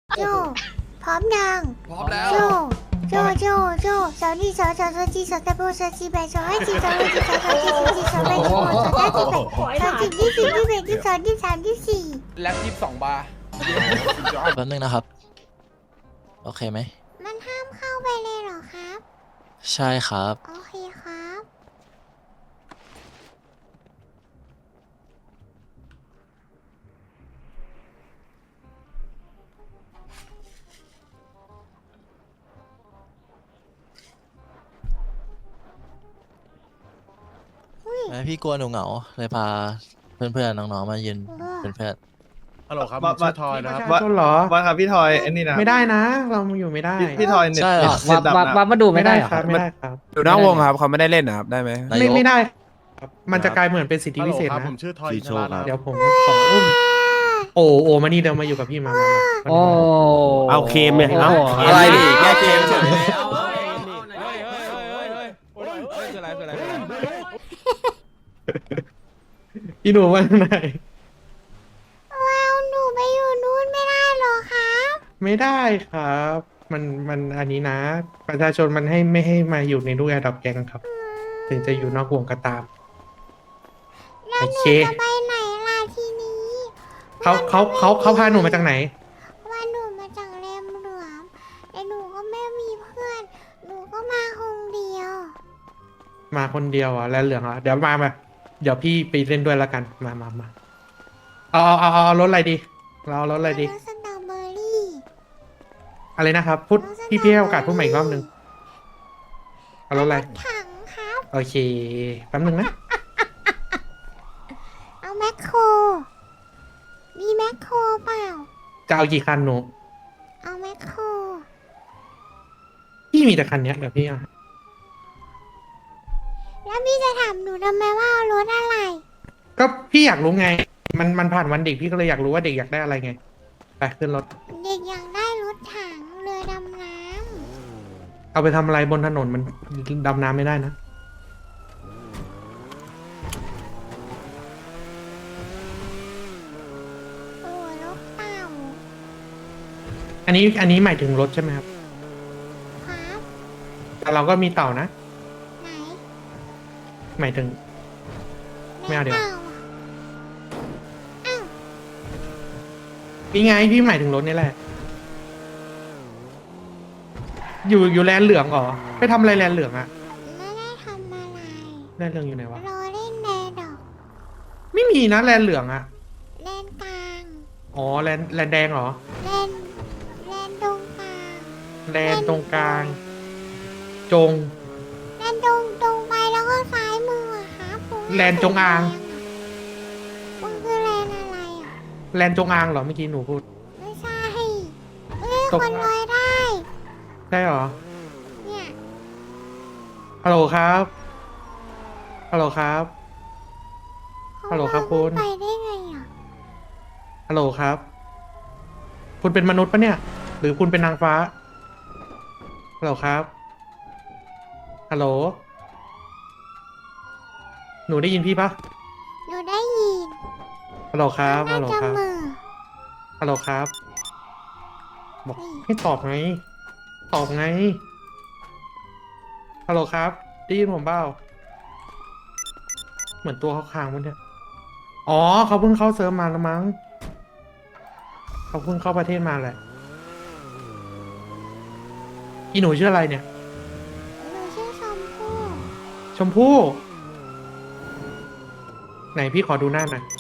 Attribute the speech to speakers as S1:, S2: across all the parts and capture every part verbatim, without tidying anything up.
S1: โจพร้อมยัง
S2: พร้อมแล้ว
S1: โจโจโจโจสาวนี่สาวสาวสาวจีสาวตะโบสาวจีแบสาวให้จีสาวให้จีสาวสาวจีสาวจีสาวแบสาวสาวจีแบสาวจีที่สี่ที่แบที่สองที่สามที่สี่
S2: แล็บยี่สิบสองบาร์
S3: แป๊บนึงนะครับ โอเคไหม
S1: มันห้ามเข้าไปเลยเหรอครับ
S3: ใช่ครับ
S1: โอเคครับ อุ้ย
S3: แม่พี่กลัวหนูเหงาเลยพาเพื่อนๆน้องๆมายืนเป็นเพื่อน
S4: ฮัลโหลครับ
S5: ว่า
S4: ผมชื่อทอยนะครับ
S5: ว่า
S6: ต้นเหรอ
S5: ว่าครับพี่ทอยไอ้นี่นะ
S6: ไม่ได้นะ เราอยู่ไม่ได้
S5: พี่พี่ทอยเน็ต
S3: ใช่เหรอ
S5: เน็ตดับ
S7: วับ
S5: นะ
S7: วับมาดู
S6: ไม่
S7: ไม่
S6: ได้
S7: ได้เหรอ
S6: ครับ ไม่ได้ครับ
S4: อยู่นอกวงครับเขาไม่ได้เล่นนะครับ ได้ไหม
S3: นาย
S6: ไม่
S3: ก
S6: ไม่ได้ครับ มันจะกลายเหมือนเป็นสิทธิ
S4: ฮัล
S6: พิ
S4: โหล
S6: เศษ
S4: ครับ
S6: นะ
S4: ผมชื่อทอยอินทรานะค
S6: เดี๋ย
S4: รับ
S6: วผมขออุ้ม โอ้โอ้มานี่เดี๋ยวมาอยู่กับพี่มามามา
S7: โอ้
S8: เอาเคมเนี่ย
S7: โอ้โห
S3: อะไรดิแก้เกมเฉย
S6: พี่หนูว่าไง
S1: ว้าวหนูไปอยู่นู้นไม่ได้เหรอครับ
S6: ไม่ได้ครับ มันมันอันนี้นะ ประชาชนมันให้ไม่ให้มาอยู่ในลูกแอร์ดรอปแกงครับ ถึงจะอยู่นอกวงก็ตาม
S1: แล้ว
S6: โอ
S1: หนู
S6: เค
S1: จะไปไหนล่ะทีนี้
S6: เขาเขาเขาเขาพาหนูมาจากไหน
S1: ว่าหนูมาจากแรมเหลือมแต่หนูก็ไม่มีเพื่อน หนูก็มาคนเดียว
S6: มาคนเดียวอ่ะแล้วเหลืองอ่ะเดี๋ยวมามาเดี๋ยวพี่ไปเล่นด้วยแล้วกันมามามาเอาเอาเอาเอารถอะไรดีเราเอารถอะไรดี
S1: รสสตรอเบอรี่
S6: อะไรนะครับพูดพี่พี่ให้โอกาสพูดใหม่อีกรอบหนึ่งเอารถอะไร
S1: ถังครับ
S6: โอเคแป๊บหนึงนะ
S1: เอาแมคโคร มีแมคโครเปล่า
S6: จะเอากี่คันหนู
S1: เอาแมคโคร
S6: พี่มีแต่คันเนี้ยเดี๋ยวพี่เอา
S1: แล้วพี่จะถามหนูทำไมว่าเอารถอะไร
S6: ก็พี่อยากรู้ไง มันมันผ่านวันเด็กพี่ก็เลยอยากรู้ว่าเด็กอยากได้อะไรไงไปขึ้นรถ
S1: เด็กอยากได้รถถังเรือดำน้
S6: เอาไปทำอะไรบนถนนมันดำน้ำไม่ได้นะ
S1: ำโอ้รถเต่า
S6: อันนี้อันนี้หมายถึงรถใช่ไหมครับ
S1: ครับ
S6: แต่เราก็มีเต่านะ
S1: ไหน
S6: หมายถึง ไม่เอาเดี๋ยว
S1: ต่ะอ้าว
S6: นี่ไงพี่หมายถึงรถนี่แหละ อยู่อยู่แลนเหลืองเหรอไปทำอะไรแลนเหลืองอะ
S1: ไม่ได้ทำอะไร
S6: แลนเหลืองอยู่ไหนวะ
S1: รอเล่นแดดอก
S6: ไม่มีนะแลนเหลืองอะ
S1: เล่นกลาง
S6: อ๋อแลนแลนแดงเหรอ
S1: เล่นเล่นตรงกลาง
S6: แลนตรงกลาง จง
S1: เล่นตรงตรงไปแล้วก็ซ้ายมืออะครับผม
S6: แลนจงอาง
S1: มันคือแลนอะไรอ่ะ
S6: แลนจงอางเหรอเมื่อกี้หนูพูด
S1: ไม่ใช่เอ้ย
S6: ตก
S1: คนลอยได้
S6: ได้เหรอ
S1: เนี่ย
S6: ฮัลโหลครับฮัลโหลครับ
S1: เขา
S6: ฮัลโหลครับคุณ
S1: ไปได้ไงอ่ะ
S6: ฮัลโหลครับ คุณเป็นมนุษย์ปะเนี่ย หรือคุณเป็นนางฟ้าฮัลโหลครับฮัลโหลหนูได้ยินพี่ปะ
S1: หนูได้ยิน
S6: ฮัลโหลครับ
S1: น่า
S6: ฮัลโหล
S1: จะ
S6: ครับ
S1: มือ
S6: ฮัลโหลครับ บอกให้ตอบไง ตอบไง ฮัลโหลครับ ได้ยินผมเปล่า เหมือนตัวเขาค้างมันเนี่ย อ๋อ เขาเพิ่งเข้าเซิร์ฟมาแล้วมั้ง เขาเพิ่งเข้าประเทศมาแหละ อีหนูชื่ออะไรเนี่ย
S1: หนูชื่อชมพู่
S6: ชมพู่ ไหนพี่ขอดูหน้าหน่อย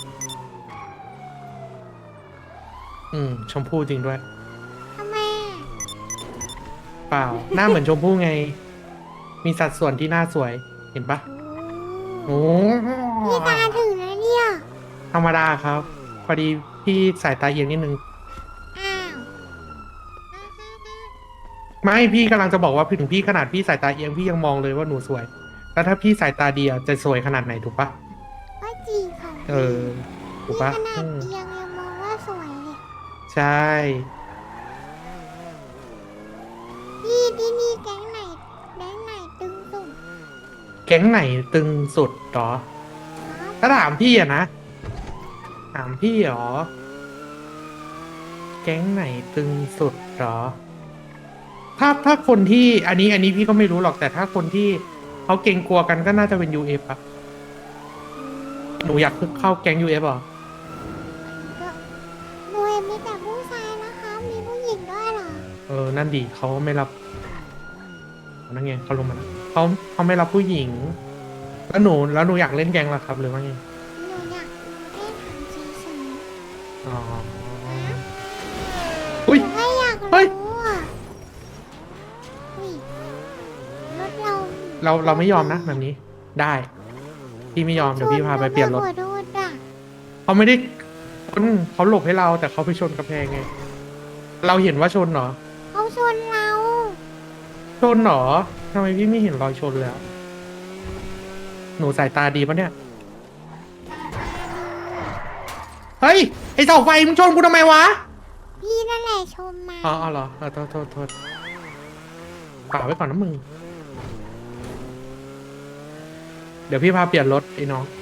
S6: อืม ชมพู่จริงด้วย
S1: ทำไมอ่ะ
S6: เปล่า หน้าเหมือนชมพู่ไง มีสัดส่วนที่หน้าสวย เห็นปะโอ้
S1: พี่ตาถึงแล้วเนี่ย
S6: ธรรมดาครับ พอดีพี่สายตาเอียงนิดนึง
S1: อ้าว
S6: ไม่พี่กำลังจะบอกว่าถึงพี่ขนาดพี่สายตาเอียงพี่ยังมองเลยว่าหนูสวย แล้วถ้าพี่สายตาดีอะจะสวยขนาดไหนถูกปะ
S1: ก็จริงค่ะ
S6: เออ ถูก
S1: นี่
S6: ปะ
S1: ขนา
S6: อื
S1: ด
S6: ม
S1: เอียงยังมองว่าสวยเลย
S6: ใช่
S1: พี่ที่นี่แก๊งไหนแก๊งไหนตึงสุด
S6: แก๊งไหนตึงสุดหรอ
S1: ครับ
S6: ถ้าถามพี่อะนะ ถามพี่หรอ แก๊งก๊งไหนตึงสุดเหรอ ถ้าถ้าคนที่อันนี้อันนี้พี่ก็ไม่รู้หรอกแต่ถ้าคนที่เขาเกรงกลัวกันก็น่าจะเป็น ยู เอฟ อะหนูอยากเข้าแก๊ง ยู เอฟ เหรอ
S1: ก็หนูเห็นมีแต่ผู้ชายนะคะ มีผู้หญิงด้วยเหรอ
S6: เออ นั่นดีเขาไม่รับนั่นไงเขาลงมาแล้วเขาเขาไม่รับผู้หญิง แล้วหนูแล้วหนูอยากเล่นแก๊งเหรอครับ หรือว่าไง
S1: หนูอยากเล่นถามเฉย
S6: อ๋อ
S1: ๆ
S6: อุ้ย
S1: หนูแค่อยาก
S6: เฮ้ย
S1: รู้อ่ะอุ้ยรถเรา
S6: เราเราไม่ยอมนะแบบนี้ ได้พี่ไม่ยอมเดี๋ยวพี่พาไปเปลี่ยนรถ
S1: ชหัวโดนอ่ะ
S6: เขาไม่ได้ชนเขาหลบให้เราแต่เขาไปชนกระแพงไง เราเห็นว่าชนเหรอ
S1: เขาชนเรา
S6: ชนเหรอทำไมพี่ไม่เห็นรอยชนเลยอะหนูสายตาดีปะเนี่ย เฮ้ย ไอเสาไฟมึงชนกูทำไมวะ
S1: พี่นั่นแหละชมมา
S6: อ๋ออ๋อเหรอเออโทษโทษโทษป่าไว้ก่อนนะมึง เดี๋ยวพี่พาเปลี่ยนรถไอ้น้อง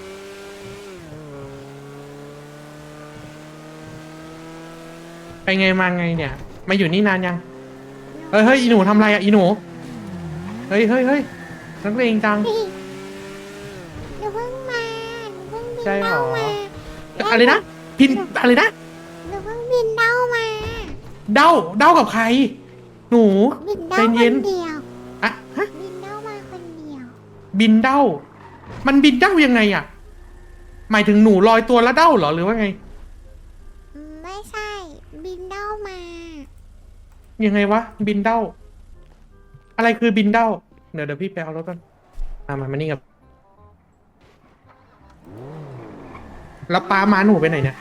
S6: ไปไงมาไงเนี่ย มาอยู่นี่นานยัง เฮ้ยเฮ้ยอีหนูทำอะไรอ่ะอีหนู เฮ้ยเฮ้ยเฮ้ยนักเลงจัง
S1: พี่หนูเพิ่งมาหนูเพิ่งบิน
S6: ใช่เหรอ
S1: เด้ามา
S6: อะไรนะ พินอะไรนะ
S1: หนูเพิ่งบินเด้ามา
S6: เด้าเด้ากับใคร หนู
S1: บินเด้า
S6: ใจ
S1: ค
S6: เย็น
S1: นเดียว
S6: อะฮะ
S1: บินเด้ามาคนเดียว
S6: บินเด้า มันบินเด้ายังไงอะหมายถึงหนูลอยตัวแล้วเด้าเหรอหรือว่าไง
S1: อืมไม่ใช่ บินเด้ามา
S6: ยังไงวะ บินเด้า อะไรคือบินเด้า เดี๋ยวเดี๋ยวพี่ไปเอารถก่อนมามามานี่กับแล้วป้าม้าหนูไปไหนเนี่ย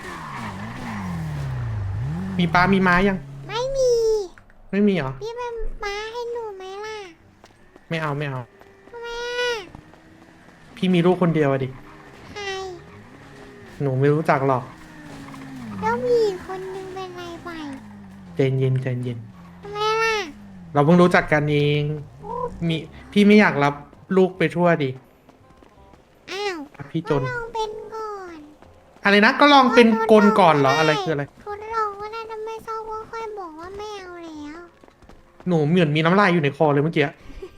S6: มีป้ามีม้ายัง
S1: ไม่มี
S6: ไม่มีเหรอ
S1: พี่เป็นม้าให้หนูไหมล่ะ
S6: ไม่เอาไม่เอา
S1: ทำไมอ่ะ
S6: พี่มีลูกคนเดียวอะดิ
S1: ใคร
S6: หนูไม่รู้จักหรอก
S1: แล้วมีอีกคนนึงเป็นไรไป
S6: ใจเย็นใจเย็น
S1: ทำไมล่ะ
S6: เราเพิ่งรู้จักกันเอง มีพี่ไม่อยากรับลูกไปทั่วดิ
S1: อ้าว
S6: พี่จ
S1: ก็
S6: น
S1: ลองเป็นก่อน
S6: อะไรนะ ก็ลองเป็นกลก่อนเหรอ อะไรคืออะไร
S1: ทดลองก็ได้ถ้าไม่ชอบก็ค่อยบอกว่าไม่เอาแล้ว
S6: หนูเหมือนมีน้ำลายอยู่ในคอเลยเมื่อกี้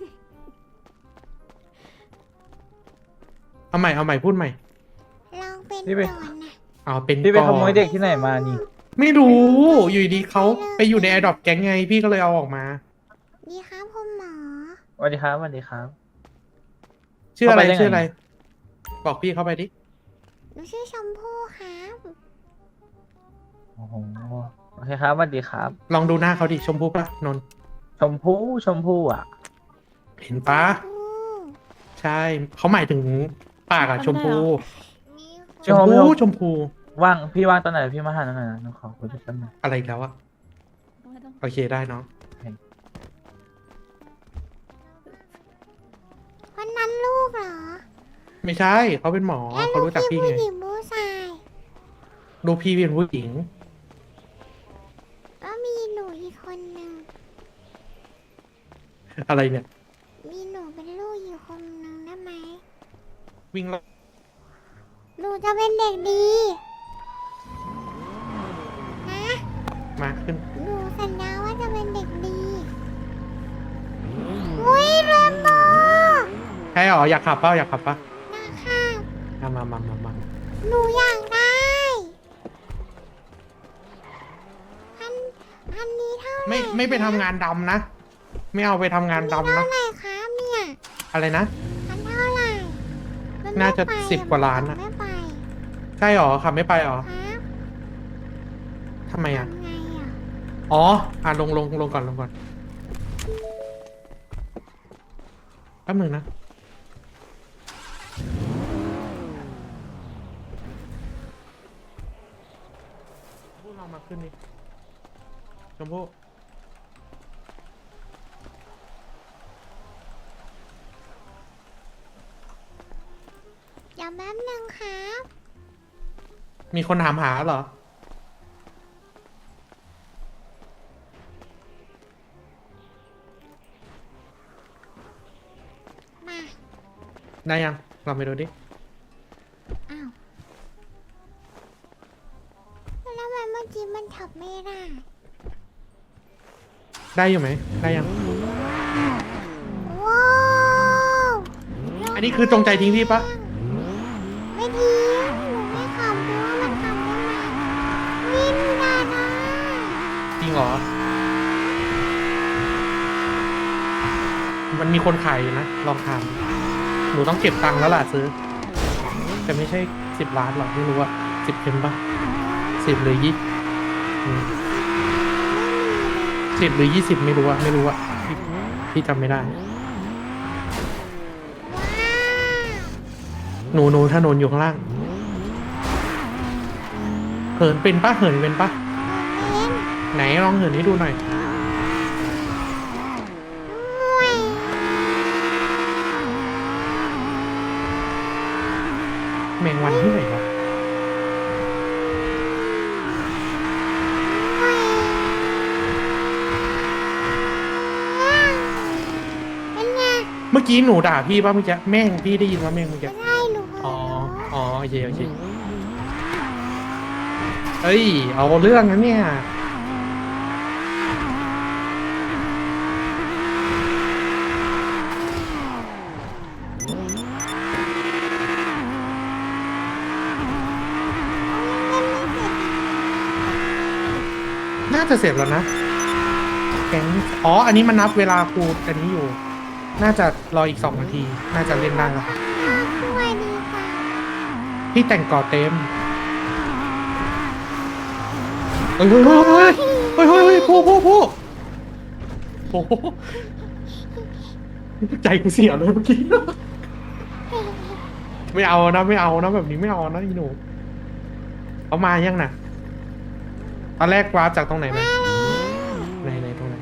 S6: เอาใหม่เอาใหม่พูดใหม่
S1: ลองเป็น
S2: พี่ไป
S1: ก่อนนะ
S6: เอาเป็น
S2: พี่ไป
S6: ก่อน
S2: ขโมยเด็กที่ไหนมานี่
S6: ไม่รู้ อยู่ดีๆเขาไปอยู่ในแอร์ดรอปแก๊งไง พี่ก็เลยเอาออกมา
S1: ดีครับคุณหมอ
S2: สวัสดีครับสวัสดีครับ
S6: ชื่ออะไร
S2: เข้าไปได้ไง
S6: ชื่ออะไร บอกพี่เข้าไปดิ
S1: หนูชื่อชมพู่ครับ
S2: โอ้โหโอเคครับสวัสดีครับ
S6: ลองดูหน้าเขาดิ ชมพู่ปะนนท์
S2: ชมพู่ชมพู่อ่ะ
S6: เห็นปะ
S1: อู้
S6: ใช่ เขาหมายถึงปากอะชมพู
S1: มีค
S6: ช
S1: น
S6: ม
S2: พี่
S6: พู
S2: โฮม
S6: ชมพู
S2: ว่างพี่ว่างตอนไหนพี่มาหาหน่อยนะหนูขอคุยด้วยกันหน่อย
S6: อะไรอีกแล้วอะโอเคได้เนาะ
S1: คนนั้นลูกเหรอ
S6: ไม่ใช่ เขาเป็นหมอ
S1: แล้ว
S6: เขา
S1: ลูก
S6: รู้จัก
S1: พี่
S6: พี่
S1: ผู้
S6: ไง
S1: หญิงผู้ชาย
S6: ดูพี่เป็นผู้หญิง
S1: แล้วมีหนูอีกคนนึง
S6: อะไรเนี่ย
S1: มีหนูเป็นลูกอีกคนนึงได้ไหม
S6: วิ่งรอบ
S1: หนูจะเป็นเด็กดี นะ
S6: มาขึ้น
S1: หนูสัญญาว่าจะเป็นเด็กดีอุ้ยเรนโบว์
S6: ใช่หรอ อยากขับเปล่าอยากขับปะ
S1: นะคะ
S6: มามามามามา
S1: หนูอยากได้พันพันนี้เท่าไหร่
S6: ไม่ไม่ไปทำงานดำนะ ไม่เอาไปทำงานดำ
S1: เท่า
S6: นะ
S1: ไหร่ครับเนี่ย
S6: อะไรนะ
S1: พันเท่าไหร่มัไม่
S6: น่าจะ
S1: ไป
S6: สิบกว่าล้านอะ
S1: ไม่ไป
S6: ใช่หรอ ขับไม่ไปหรอ
S1: ครับ
S6: ทำไมอ่ะ
S1: ทำไงอ่ะ
S6: อ๋อ อ่ะลงลงลงก่อนลงก่อนแป๊บนึงนะ ชมพู่ลองมาขึ้นนี่ชมพู่
S1: อย่าแป๊บนึงครับ
S6: มีคนถามหาเหรอ
S1: มา
S6: ได้ยังลองไปดูดิ
S1: อ้าวแล้วทำไมเมื่อกี้มันขับไม่ได้
S6: ได้อยู่ไหมได้ยัง
S1: ว้าว
S6: อันนี้คือจงใจทิ้งพี่ปะ
S1: ไม่ดีหนูไม่ขับเพราะว่ามันขับได้ไหมวิ่งได้นะ
S6: จริงเหรอ มันมีคนขายอยู่นะ ลองถาม หนูต้องเก็บตังค์แล้วล่ะซื้อ แต่ไม่ใช่สิบล้านหรอกไม่รู้ว่าสิบเอ็มปะสิบหรือยี่สิบหรือยี่สิบไม่รู้อะไม่รู้อะพี่พี่จำไม่ได้ หนูหนูถนนอยู่ข้างล่าง เหินเป็นปะเหินเป็นปะ
S1: เล่น
S6: ไหนลองเหินให้ดูหน่อย
S1: ด้วย
S6: แมงวันที่ไหนวะ
S1: เป็นไง
S6: เมื่อกี้หนูด่าพี่ป่ะเมื่อกี้แม่งพี่ได้ยินว่าแม่งเมื่อกี้
S1: ไม่ได้หนู
S6: อ๋อ อ๋อโอเคโอเคเอ้ย เอาเรื่องนะเนี่ย น่าจะเสร็จแล้วนะแกงอ๋อ อันนี้มันนับเวลาครูอันนี้อยู่ น่าจะรออีกสองนาที น่าจะเล่นได้แล้ว
S1: ด้วยดีค่ะ
S6: พี่แต่งก่อเต็ม เฮ้ยเฮ้ยเฮ้ยเฮ้ยเฮ้ยเฮ้ยเฮ้ยผู้ผู้ผู้โอ้โหใจกูเสียเลยเมื่อกี้ ไม่เอานะไม่เอานะแบบนี้ไม่เอานะอีหนูเอามายังน่ะตอนแรกวาร์ปจากตรงไหนมาไหนไหนตรงไหน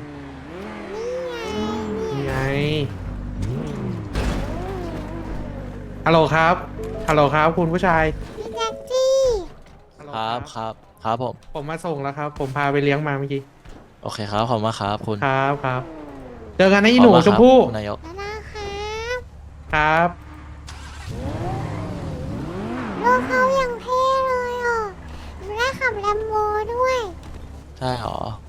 S6: นี่ไงฮัลโหลครับฮัลโหลครับคุณผู้ชาย
S1: พี่แจ็คจี้
S6: ฮัลโหล
S3: ครับครับครับผม
S6: ผมมาส่งแล้วครับ ผมพาไปเลี้ยงมาเมื่อกี้
S3: โอเคครับขอบคุณมากครับคุณ
S6: ครับครับเจอกันนะอีหนู
S3: ขอบคุณ
S6: ช
S3: ค
S6: ม
S3: รับ
S6: พู่
S3: คุณนายก
S1: แล้วนะครับ
S6: ครับ
S1: ลูกเขาอย่างเท่เลยอ่ะหนูได้ขับแลมโบด้วย
S3: ใช่หรอ